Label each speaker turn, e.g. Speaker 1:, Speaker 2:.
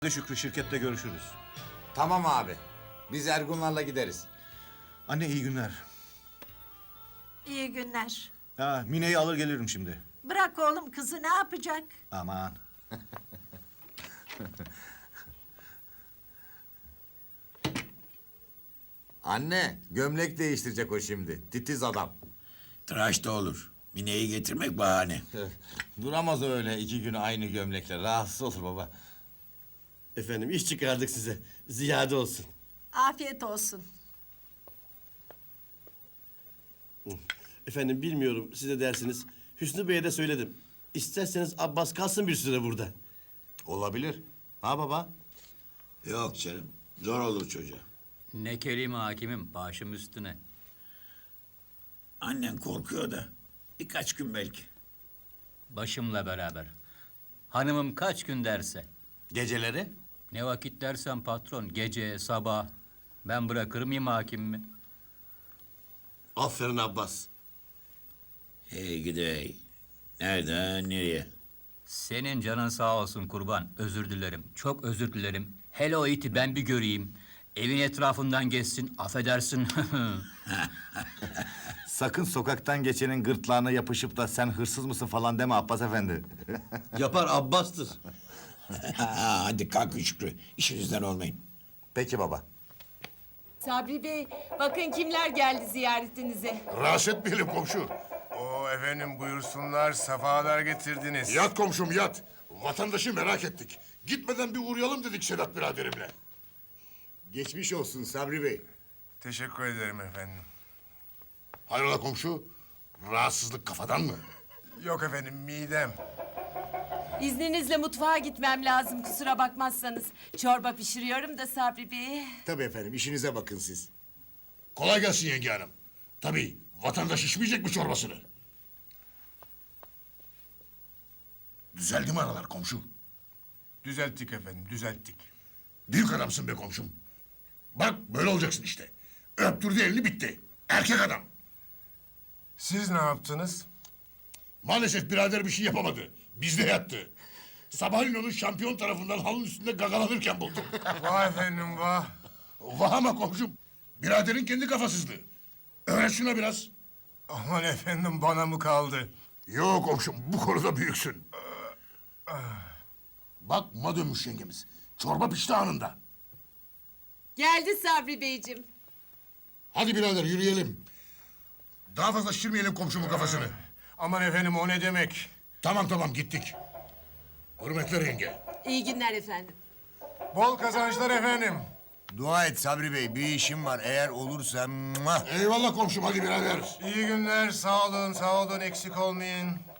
Speaker 1: Hadi Şükrü, şirkette görüşürüz.
Speaker 2: Tamam abi. Biz Ergunlarla gideriz.
Speaker 1: Anne iyi günler.
Speaker 3: İyi günler.
Speaker 1: Mine'yi alır gelirim şimdi.
Speaker 3: Bırak oğlum kızı ne yapacak?
Speaker 1: Aman.
Speaker 2: Anne, gömlek değiştirecek o şimdi. Titiz adam.
Speaker 4: Tıraş da olur. Mine'yi getirmek bahane.
Speaker 2: Duramaz öyle 2 gün aynı gömlekle. Rahatsız olur baba.
Speaker 5: Efendim iş çıkardık size. Ziyade olsun.
Speaker 3: Afiyet olsun.
Speaker 5: Efendim bilmiyorum size dersiniz. Hüsnü Bey'e de söyledim. İsterseniz Abbas kalsın bir süre burada.
Speaker 2: Olabilir. Ha baba?
Speaker 4: Yok canım. Zor olur çocuğa.
Speaker 6: Ne kelime hakimim, başım üstüne.
Speaker 4: Annen korkuyor da. Birkaç gün belki.
Speaker 6: Başımla beraber. Hanımım kaç gün derse.
Speaker 2: Geceleri?
Speaker 6: Ne vakit dersen patron, gece, sabah. Ben bırakır mıyım hakimimi?
Speaker 5: Aferin Abbas.
Speaker 4: Hey gidey. Nereden nereye?
Speaker 6: Senin canın sağ olsun kurban, özür dilerim. Çok özür dilerim. Hele o iti ben bir göreyim. Evin etrafından geçsin, affedersin.
Speaker 2: Sakın sokaktan geçenin gırtlağına yapışıp da sen hırsız mısın falan deme Abbas efendi.
Speaker 5: Yapar Abbas'tır.
Speaker 4: Hadi kalkın Şükrü. İşinizden olmayın.
Speaker 2: Peki baba.
Speaker 7: Sabri Bey, bakın kimler geldi ziyaretinize.
Speaker 8: Rahatsız etmeyelim komşu.
Speaker 9: Oo efendim buyursunlar, sefalar getirdiniz.
Speaker 8: Yat komşum yat. Vatandaşı merak ettik. Gitmeden bir uğrayalım dedik Sedat biraderimle.
Speaker 2: Geçmiş olsun Sabri Bey.
Speaker 9: Teşekkür ederim efendim.
Speaker 8: Hayrola komşu? Rahatsızlık kafadan mı?
Speaker 9: Yok efendim, midem.
Speaker 7: İzninizle mutfağa gitmem lazım kusura bakmazsanız. Çorba pişiriyorum da Sabri Bey.
Speaker 8: Tabii efendim işinize bakın siz. Kolay gelsin yenge hanım. Tabii vatandaş içmeyecek mi çorbasını? Düzeldi mi aralar komşu?
Speaker 9: Düzelttik efendim, düzelttik.
Speaker 8: Büyük adamsın be komşum. Bak böyle olacaksın işte. Öptürdü elini bitti. Erkek adam.
Speaker 9: Siz ne yaptınız?
Speaker 8: Maalesef birader bir şey yapamadı. Bizde yattı. Sabahleyin onu şampiyon tarafından halının üstünde gagalanırken buldum.
Speaker 9: Vah efendim vah.
Speaker 8: Vah ama komşum. Biraderin kendi kafasızlığı. Öğret şuna biraz.
Speaker 9: Aman efendim bana mı kaldı?
Speaker 8: Yok komşum bu konuda büyüksün. Bak ma dönmüş yengemiz. Çorba pişti anında.
Speaker 7: Geldi Sabri Beyciğim.
Speaker 8: Hadi birader yürüyelim. Daha fazla şişirmeyelim komşumun kafasını.
Speaker 9: Aman efendim o ne demek?
Speaker 8: Tamam gittik. Hürmetler yenge.
Speaker 7: İyi günler efendim.
Speaker 9: Bol kazançlar efendim.
Speaker 10: Dua et Sabri Bey, bir işim var. Eğer olursa...
Speaker 8: Eyvallah komşum hadi birader.
Speaker 9: İyi günler, sağ olun, eksik olmayın.